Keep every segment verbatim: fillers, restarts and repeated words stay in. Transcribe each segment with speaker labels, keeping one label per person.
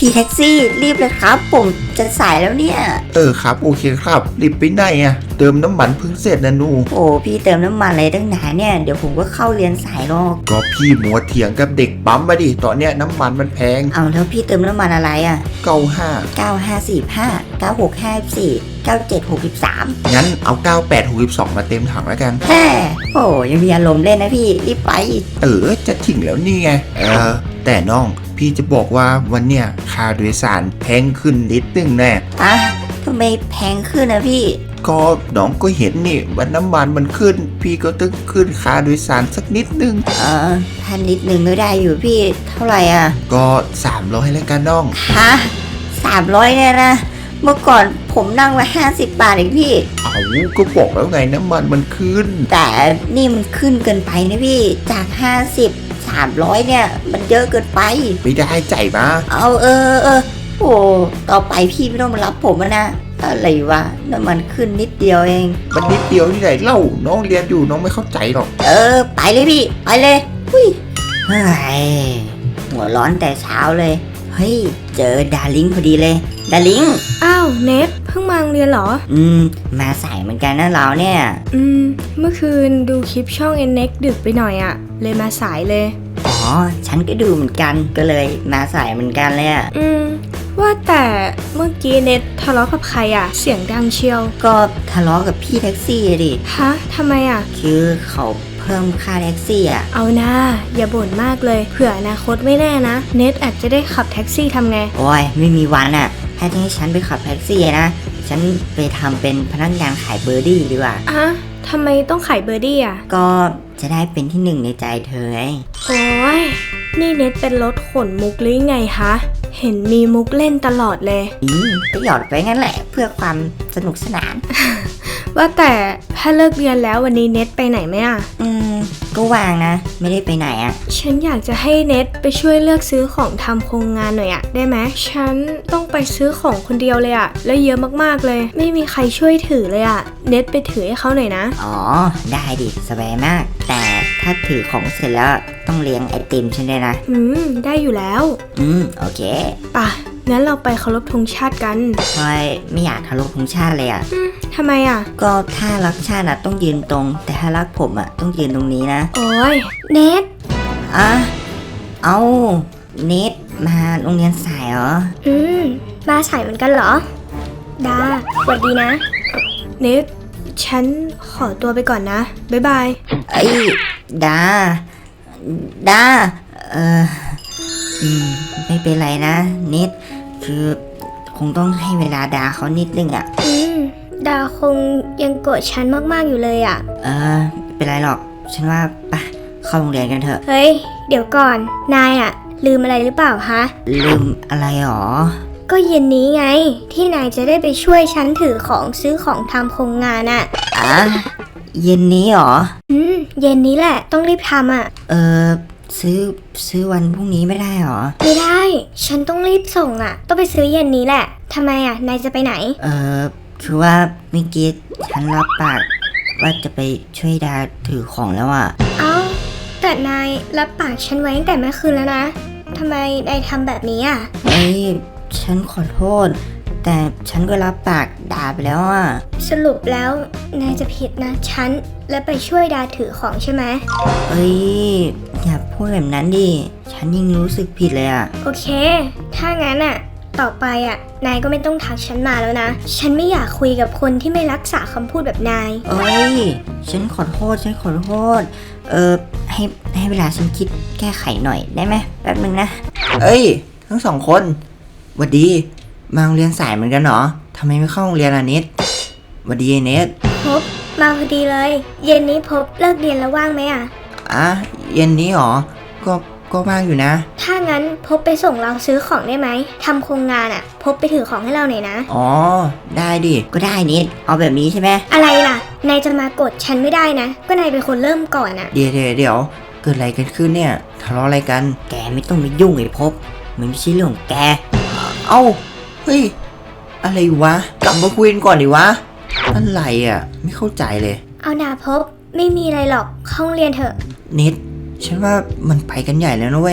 Speaker 1: พี่แท็กซี่รีบเลยครับผมจะสายแล้วเนี่ย
Speaker 2: เออครับโอเคครับรีบไปไหนอะเติมน้ำมันเพิ่งเสร็จนะหนู
Speaker 1: โอ้พี่เติมน้ำมันอะไรตั้งนานเนี่ยเดี๋ยวผมก็เข้าเรียนสายหรอก
Speaker 2: ก็พี่มัวเถียงกับเด็กปั๊มมาดิตอนเนี้ยน้ำมันมันแพง
Speaker 1: เอาแล้วพี่เติมน้ำมันอะไรอ่ะ
Speaker 2: เก้าห้า
Speaker 1: เก้าห้าสี่ห้าเก้าหกห้าสี่เก้าเจ็ดหกสิบสาม
Speaker 2: งั้นเอาเก้าแปดหกสิบสองมาเต็มถังแล้วกัน
Speaker 1: แฮ่โอ้ยังมีอารมณ์เล่นนะพี่รีบไป
Speaker 2: เออจะถึงแล้วนี่ไงเออแต่น้องพี่จะบอกว่าวันเนี้ยค่าโดยสารแพงขึ้นนิดนึงแน่
Speaker 1: อะทำไมแพงขึ้นนะพี่
Speaker 2: ก็น้องก็เห็นนี่ว่าน้ำมันมันขึ้นพี่ก็ต้องขึ้นค่าโดยสารสักนิดนึง
Speaker 1: เออพันนิดนึงก็ได้อยู่พี่เท่าไหร่อ่ะ
Speaker 2: ก็สามร้อยแล้วกันน้อง
Speaker 1: ฮะสามร้อยเนี่ยนะเมื่อก่อนผมนั่งมาห้าสิบบาทเองพี่
Speaker 2: เอาก็บอกแล้วไงน้ำมันมันขึ้น
Speaker 1: แต่นี่มันขึ้นเกินไปนะพี่จากห้าสิบสามร้อยเนี่ยมันเยอะเกินไป
Speaker 2: ไม่ได้ใจมา
Speaker 1: เอาเออเออโอ้ต่อไปพี่ไม่ต้องมารับผมนะอะไรวะน้ำมันขึ้นนิดเดียวเอง
Speaker 2: มันนิดเดียวที่ไหนเล่าน้องเรียนอยู่น้องไม่เข้าใจหรอก
Speaker 1: เออไปเลยพี่ไปเลยหุ้ยเฮ้ยหัวร้อนแต่เช้าเลยเฮ้ยเจอดาริงพอดีเลยดาริง
Speaker 3: อ้าวเนทเพิ่งมาโรงเรียนเหรอ
Speaker 1: อืมมาสายเหมือนกันนะเราเนี่ย
Speaker 3: อืมเมื่อคืนดูคลิปช่อง เอ็น เอ็กซ์ ดึกไปหน่อยอะเลยมาสายเลย
Speaker 1: อ๋อฉันก็ดูเหมือนกันก็เลยมาสายเหมือนกันเลยอะ
Speaker 3: อืมว่าแต่เมื่อกี้เนททะเลาะกับใครอะเสียงดังเชียว
Speaker 1: ก็ทะเลาะกับพี่แท็กซี่ดิ
Speaker 3: ฮะทำไมอะ
Speaker 1: คือเขาเพิ่มค่าแท็กซี่อะ
Speaker 3: เอานะอย่าบ่นมากเลยเผื่ออนาคตไม่แน่นะเนทอาจจะได้ขับแท็กซี่ทำไง
Speaker 1: โอ้ยไม่มีวันอะถ้าจะให้ฉันไปขับแท็กซี่นะฉันไปทำเป็นพนักงานขายเบอร์ดี้ดีกว่า
Speaker 3: อะทำไมต้องขายเบอร์ดี้อะ
Speaker 1: ก็จะได้เป็นที่หนึ่งในใจเธอไง
Speaker 3: โอ้ยนี่เน็ตเป็นรถขนมุกหรือไงคะเห็นมีมุกเล่นตลอดเลย
Speaker 1: อืมก็หยอดไปงั้นแหละเพื่อความสนุกสนาน
Speaker 3: ว่าแต่ถ้าเลิกเรียนแล้ววันนี้เน็ตไปไหนไหมอ่ะ
Speaker 1: อืมก็วางนะไม่ได้ไปไหนอ่ะ
Speaker 3: ฉันอยากจะให้เน็ตไปช่วยเลือกซื้อของทำโครงงานหน่อยอ่ะได้ไหมฉันต้องไปซื้อของคนเดียวเลยอ่ะและเยอะมากๆเลยไม่มีใครช่วยถือเลยอ่ะเน็ตไปถือให้เขาหน่อยนะ
Speaker 1: อ๋อได้ดิสบายมากแต่ถ้าถือของเสร็จแล้วต้องเลี้ยงไอติมฉันด้วยนะ
Speaker 3: อืมได้อยู่แล้ว
Speaker 1: อืมโอเค
Speaker 3: ป่ะงั้นเราไปเคารพธงชาติกัน
Speaker 1: ทำไมไม่อยากเคารพธงชาติเลยอ่ะ
Speaker 3: ทำไมอ่ะ
Speaker 1: ก็ถ้ารักชาติอ่ะต้องยืนตรงแต่ถ้ารักผมอ่ะต้องยืนตรงนี้นะ
Speaker 3: โอ้ยเน็ต
Speaker 1: อ่ะเอาเน็ตมาโรงเรียนสายเหรอ
Speaker 3: อืมมาสายเหมือนกันเหรอดาสวัสดีนะเน็ตฉันขอตัวไปก่อนนะบ๊ายบาย
Speaker 1: ไอ้ดาดาเอออืมไม่เป็นไรนะเน็ตคือคงต้องให้เวลาดาเขานิดนึงอ่ะ
Speaker 3: อืมดาคงยังโกรธฉันมากๆอยู่เลยอ่ะ
Speaker 1: เออไม่เป็นไรหรอกฉันว่าไปเข้าโรงเรียนกันเถอะ
Speaker 3: เฮ้ยเดี๋ยวก่อนนายอ่ะลืมอะไรหรือเปล่าฮะ
Speaker 1: ลืมอะไรหรอ
Speaker 3: ก็เย็นนี้ไงที่นายจะได้ไปช่วยฉันถือของซื้อของทำโครงงานอ่ะ
Speaker 1: อ่ะเย็นนี้หรอ
Speaker 3: อืมเย็นนี้แหละต้องรีบทำอ่ะ
Speaker 1: เออซื้อซื้อวันพรุ่งนี้ไม่ได้หรอ
Speaker 3: ไม่ได้ฉันต้องรีบส่งอ่ะต้องไปซื้อเย็นนี้แหละทำไมอ่ะนายจะไปไหน
Speaker 1: เออคือว่าเมื่อกี้ฉันรับปากว่าจะไปช่วยดาถือของแล้วอ่ะ
Speaker 3: เอ้าแต่นายรับปากฉันไว้ตั้งแต่เมื่อคืนแล้วนะทำไมนายทำแบบนี้อ่ะ
Speaker 1: เอ้ยฉันขอโทษแต่ฉันก็รับปากดาไปแล้วอ่ะ
Speaker 3: สรุปแล้วนายจะผิดนะฉันและไปช่วยดาถือของใช่ไหม
Speaker 1: เอ้ยอย่าพูดแบบนั้นดิฉันยิ่งรู้สึกผิดเลยอ่ะ
Speaker 3: โอเคถ้างั้นอ่ะต่อไปอ่ะนายก็ไม่ต้องทักฉันมาแล้วนะฉันไม่อยากคุยกับคนที่ไม่รักษาคำพูดแบบนาย
Speaker 1: เอ้ยฉันขอโทษฉันขอโทษเออให้ให้เวลาฉันคิดแก้ไขหน่อยได้ไหมแป๊บนึงนะเอ้ยทั้งสองคนหวัดดีมาโรงเรียนสายเหมือนกันเหรอทำไมไม่เข้าโรงเรียนอ่ะเนทหวัดดีเนท
Speaker 3: พบมาพอดีเลยเย็นนี้พบเลิกเรียนแล้วว่างไหมอ่ะ
Speaker 1: อ่ะเย็นนี้หรอก็ก็ว่างอยู่นะ
Speaker 3: ถ้างั้นพบไปส่งเราซื้อของได้ไหมทำโครงงานอ่ะพบไปถือของให้เราหน่อยนะ
Speaker 1: อ๋อได้ดิก็ได้เนทเอาแบบนี้ใช่ไหม
Speaker 3: อะไรล่ะนายจะมากดฉันไม่ได้นะก็นายเป็นคนเริ่มก่อนอ่ะ
Speaker 1: เดี๋ยวเดี๋ยวเดี๋ยวเกิดอะไรกันขึ้นเนี่ยทะเลาะอะไรกันแกไม่ต้องมายุ่งไอ้พบมันไม่ใช่เรื่องของแกเอ้าเฮ้ยอะไรวะกลับมาคุยกันก่อนดิวะอะไรอ่ะไม่เข้าใจเลย
Speaker 3: เอาหนาพบไม่มีอะไรหรอกเข้าโรงเรียนเถอะ
Speaker 1: นิดฉันว่ามันไปกันใหญ่แล้วนะเว้ย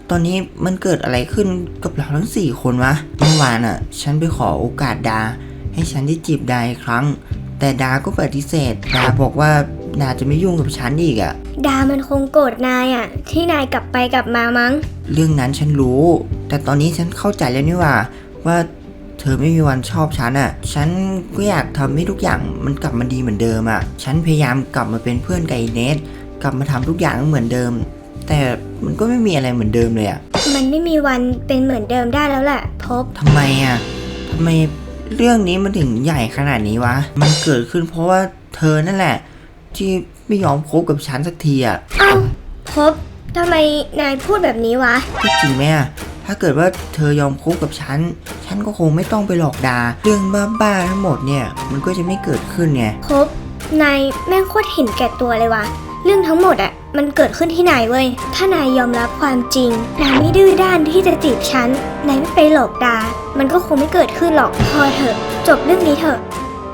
Speaker 1: ตอนนี้มันเกิดอะไรขึ้นกับเราทั้งสี่คนวะเมื่อวานอ่ะฉันไปขอโอกาสดาให้ฉันได้จีบดาอีกครั้งแต่ดาก็ปฏิเสธดาบอกว่าดาจะไม่ยุ่งกับฉันอีกอ่ะ
Speaker 4: ดามันคงโกรธนายอะที่นายกลับไปกลับมามั้ง
Speaker 1: เรื่องนั้นฉันรู้ แต่ตอนนี้ฉันเข้าใจแล้วนี่ว่าว่าเธอไม่มีวันชอบฉันอ่ะฉันก็อยากทำให้ทุกอย่างมันกลับมาดีเหมือนเดิมอ่ะฉันพยายามกลับมาเป็นเพื่อนกับไอ้เนทกลับมาทำทุกอย่างเหมือนเดิม แต่มันก็ไม่มีอะไรเหมือนเดิมเลยอ่ะ
Speaker 4: มันไม่มีวันเป็นเหมือนเดิมได้แล้วแหละพบ
Speaker 1: ทำไมอ่ะทำไมเรื่องนี้มันถึงใหญ่ขนาดนี้วะมันเกิดขึ้นเพราะว่าเธอนั่นแหละ ที่ไม่ยอมคบกับฉันสักทีอ่ะ
Speaker 4: เอ้าพบทำไมนายพูดแบบนี้วะ
Speaker 1: ก็จริงไหมอ่ะถ้าเกิดว่าเธอยอมคบกับฉันฉันก็คงไม่ต้องไปหลอกดาเรื่องบ้าๆทั้งหมดเนี่ยมันก็จะไม่เกิดขึ้นไง
Speaker 4: พบนายแม่งโคตรเห็นแก่ตัวเลยวะเรื่องทั้งหมดอะมันเกิดขึ้นที่นายเว้ยถ้านายยอมรับความจริงนายไม่ดื้อด้านที่จะจีบฉันนายไม่ไปหลอกดา มันก็คงไม่เกิดขึ้นหรอกพอเถอะจบเรื่องนี้เถอะ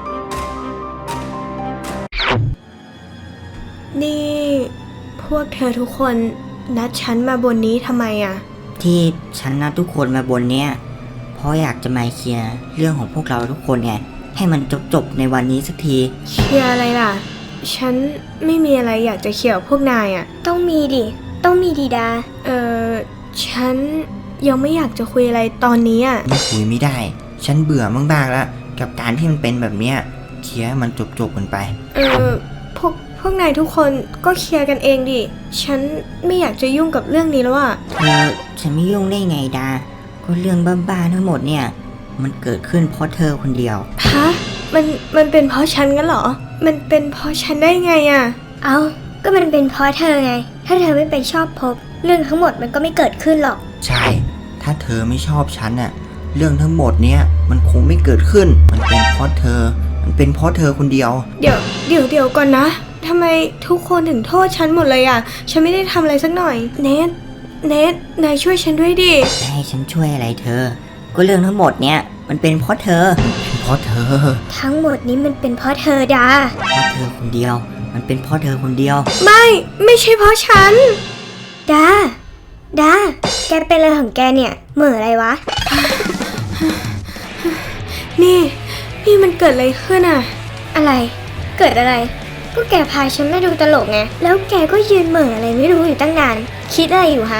Speaker 3: นี่พวกเธอทุกคนนัดฉันมาบนนี้ทำไมอ่ะ
Speaker 1: ที่ฉันนัดทุกคนมาบนเนี้ยเพราะอยากจะมาเคลียร์เรื่องของพวกเราทุกคนไงให้มันจบๆในวันนี้สักที
Speaker 3: เคลียร์อะไรล่ะ ฉันไม่มีอะไรอยากจะเขี่ยวพวกนายอ่ะ
Speaker 4: ต้องมีดิต้องมีดีดา
Speaker 3: เออฉันยังไม่อยากจะคุยอะไรตอนนี้อ่ะ
Speaker 1: ไม่คุยไม่ได้ ฉันเบื่อมากๆแล้วกับการที่มันเป็นแบบเนี้ยเคลียร์ให้มันจบๆกันไป
Speaker 3: เออพวกพวกนายทุกคนก็เคลียร์กันเองดิ ฉันไม่อยากจะยุ่งกับเรื่องนี้แล้วอ่ะ
Speaker 1: เธอฉันไม่ยุ่งได้ไงดาก็เรื่องบ้าๆทั้งหมดเนี่ยมันเกิดขึ้นเพราะเธอคนเดียว
Speaker 3: ฮะ มันมันเป็นเพราะฉันกันเหรอ มันเป็นเพราะฉันได้ไงอ่ะ
Speaker 4: เอาก็มันเป็นเพราะเธอไง ถ้าเธอไม่ไปชอบพบเรื่องทั้งหมดมันก็ไม่เกิดขึ้นหรอก
Speaker 1: ใช่ ถ้าเธอไม่ชอบฉันน่ะเรื่องทั้งหมดเนี้ยมันคงไม่เกิดขึ้น มันเป็นเพราะเธอ มันเป็นเพราะเธอคนเดียว
Speaker 3: เดี๋ยวเดี๋ยวเดี๋ยวก่อนนะ ทำไมทุกคนถึงโทษฉันหมดเลยอ่ะ ฉันไม่ได้ทำอะไรสักหน่อย เนทเนทนายช่วยฉันด้วยดิ
Speaker 1: จะให้ฉันช่วยอะไรเธอ ก็เรื่องทั้งหมดเนี้ยมันเป็นเพราะเธอ เป็นเพราะเธอ
Speaker 4: ทั้งหมดนี้มันเป็นเพราะเธอดา
Speaker 1: เพราะเธอคนเดียว มันเป็นเพราะเธอคนเดียว
Speaker 3: ไม่ ไม่ใช่เพราะฉัน
Speaker 4: ดา ดา แกเป็นอะไรของแกเนี่ยเหม่ออะไรวะ
Speaker 3: นี่ นี่มันเกิดอะไรขึ้นอ่ะ
Speaker 4: อะไร เกิดอะไร ก็แกพาฉันมาดูตลกไง แล้วแกก็ยืนเหม่ออะไรไม่รู้อยู่ตั้งนาน คิดอะไรอยู่ฮะ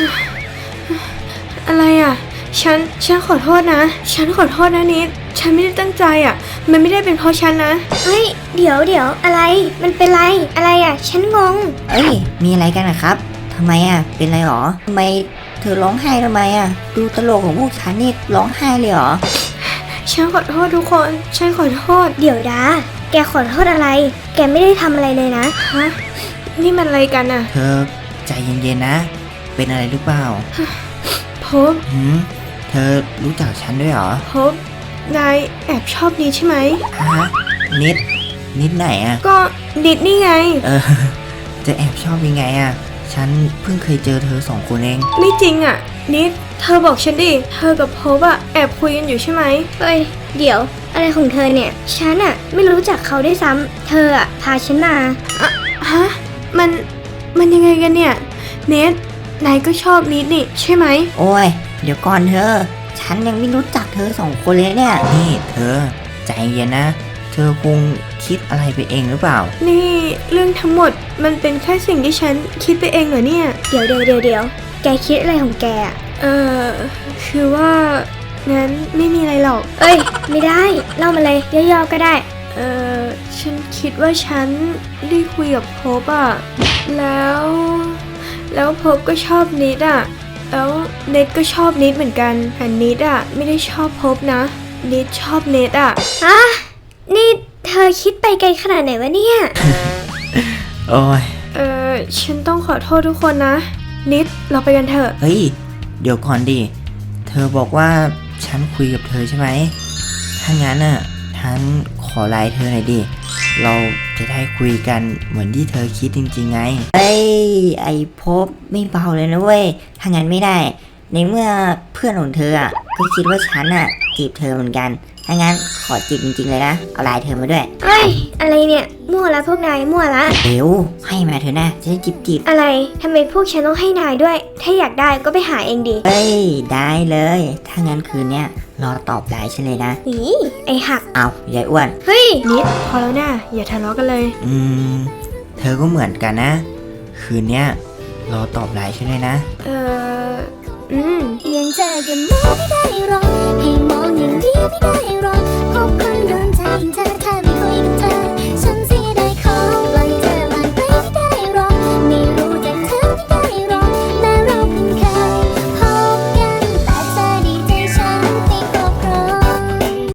Speaker 3: อะไรอ่ะ ฉัน ฉันขอโทษนะ ฉันขอโทษนะนิด ฉันไม่ได้ตั้งใจอ่ะ มันไม่ได้เป็นเพราะฉันนะ
Speaker 4: เฮ้ย เดี๋ยวเดี๋ยวอะไร มันเป็นไร อะไรอ่ะ ฉันงง
Speaker 1: เอ้ย มีอะไรกันนะครับทำไมอ่ะ เป็นไรหรอทำไมเธอร้องไห้ทำไมอ่ะ ดูตลกของพวกฉันนี่ร้องไห้เลยเหรอ
Speaker 3: ฉันขอโทษทุกคน ฉันขอโทษ
Speaker 4: เดี๋ยวดา แกขอโทษอะไร แกไม่ได้ทำอะไรเลยนะ
Speaker 3: ฮะ นี่มันอะไรกันอ่ะ
Speaker 1: เธอใจเย็นๆนะ เป็นอะไรหรือเปล่า
Speaker 3: พบ
Speaker 1: หืมเธอรู้จักฉันด้วยเหรอ
Speaker 3: พบ นายแอบชอบนิดใช่ไหม
Speaker 1: ฮะ นิด นิดไหนอ่ะ
Speaker 3: ก็นิดนี่ไง
Speaker 1: เออ จะแอบชอบยังไงอ่ะ ฉันเพิ่งเคยเจอเธอสองคนเอง
Speaker 3: ไม่จริงอ่ะ นิด เธอบอกฉันดิ เธอกับพบอ่ะแอบคุยกันอยู่ใช่ไหม
Speaker 4: เฮ้ย เดี๋ยว อะไรของเธอเนี่ย ฉันอะไม่รู้จักเขาได้วยซ้ำ เธออะพาฉันมา
Speaker 3: ฮะ มัน มันยังไงกันเนี่ย เนทนายก็ชอบนิดนี่ใช่ไหม
Speaker 1: โอ้ย เดี๋ยวก่อนเธอ ฉันยังไม่รู้จักเธอสองคนเลยเนี่ย นี่เธอ ใจเย็นนะ เธอคงคิดอะไรไปเองหรือเปล่า
Speaker 3: นี่เรื่องทั้งหมดมันเป็นแค่สิ่งที่ฉันคิดไปเองเหรอเนี่ย
Speaker 4: เดี๋ยวเดี๋ยวเดี๋ยวเดี๋ยวแกคิดอะไรของแกอะ
Speaker 3: เออคือว่า งั้นไม่มีอะไรหรอก
Speaker 4: เอ้ย ไม่ได้ เล่ามาเลยย่อๆก็ได้
Speaker 3: เออฉันคิดว่าฉันได้คุยกับพบอะแล้ว แล้วพบก็ชอบนิดอะแล้วเนทก็ชอบนิดเหมือนกันแต่นิดอะไม่ได้ชอบพบนะนิดชอบเนทอะ
Speaker 4: ฮะ นี่เธอคิดไปไกลขนาดไหนวะเนี่ย
Speaker 1: โอ้ย
Speaker 3: เออฉันต้องขอโทษทุกคนนะ นิดเราไปกันเถอะ
Speaker 1: เฮ้ย เดี๋ยวก่อนดิ เธอบอกว่าฉันคุยกับเธอใช่ไหม ถ้างั้นน่ะ ฉันขอไลน์เธอหน่อยดิ เราจะได้คุยกันเหมือนที่เธอคิดจริงๆไง เฮ้ย ไอพบไม่เบาเลยนะเว้ย ถ้างั้นไม่ได้ ในเมื่อเพื่อนของเธออ่ะ ก็คิดว่าฉันอ่ะจีบเธอเหมือนกันถ้างั้นขอจีบจริงๆเลยนะเอาไลน์เธอมาด้วย
Speaker 4: เอ้ย อะไรเนี่ย มั่วละพวกนาย มั่วละ
Speaker 1: เร็วให้มาเถอะนะจะได้จีบจีบ
Speaker 4: อะไร ทำไมพวกฉันต้องให้นายด้วย ถ้าอยากได้ก็ไปหาเองดิ
Speaker 1: เฮ้ยได้เลยถ้างั้นคืนเนี้ยรอตอบไลน์ฉันเลยนะ
Speaker 4: อีไอหัก
Speaker 1: เอายายอ้วน
Speaker 4: เฮ้ย
Speaker 3: นิดพอแล้วนะอย่าทะเลาะกันเลย
Speaker 1: อืมเธอก็เหมือนกันนะ คืนเนี้ยรอตอบไลน์ฉันเลยนะ
Speaker 3: เอออืม
Speaker 4: ยังเจอกันไม่ได้หรอก